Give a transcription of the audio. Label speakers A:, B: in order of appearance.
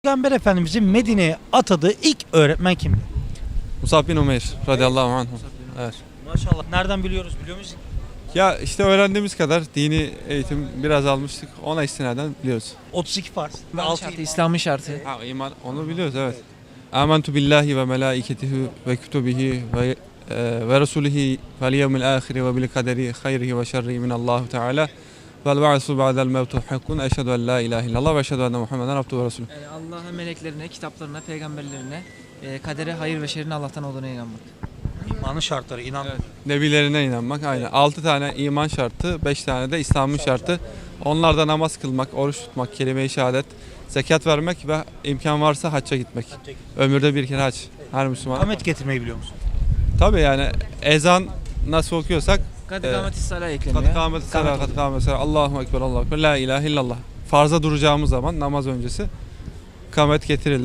A: Peygamber Efendimizin Medine'ye atadığı ilk öğretmen kimdi?
B: Musab bin Umeyr radıyallahu anh. Evet.
A: Maşallah. Nereden biliyoruz biliyor musun?
B: Ya işte öğrendiğimiz kadar dini eğitim biraz almıştık. Ona istinaden biliyoruz.
A: 32 farz. Ve
C: İslam'ın
A: 6
C: şartı, İslam'ın şartı.
B: Ha iman onu biliyoruz evet. Âmentu billahi ve melâiketihi ve kütübihi ve resulihi vel yevmil âhiri ve bil kaderi hayrihi ve şerrihi minallahu teâlâ vel ba'su ba'del mevtu hakkun eşhedü en la ilahe illallah ve eşhedü enne Muhammeden abduhu ve resulü.
C: Yani Allah'a, meleklerine, kitaplarına, peygamberlerine, kadere, hayır ve şerrin Allah'tan olduğuna inanmak.
A: İmanın şartları inan.
B: Evet. Nebilerine inanmak aynen. 6 tane iman şartı, 5 tane de İslam'ın şartı. Onlarda namaz kılmak, oruç tutmak, kelime-i şehadet, zekat vermek ve imkan varsa hacca gitmek. Ömürde bir kere hac. Her Müslüman.
A: Kamet getirmeyi biliyor musun?
B: Tabii yani ezan nasıl okuyorsak
C: Kadı kâmeti salâh ekleniyor.
B: kadı kâmeti salâh, kadı kâmeti salâh, Allahu Ekber, Allahu Ekber, la ilahe illallah. Farza duracağımız zaman namaz öncesi kamet getirilir.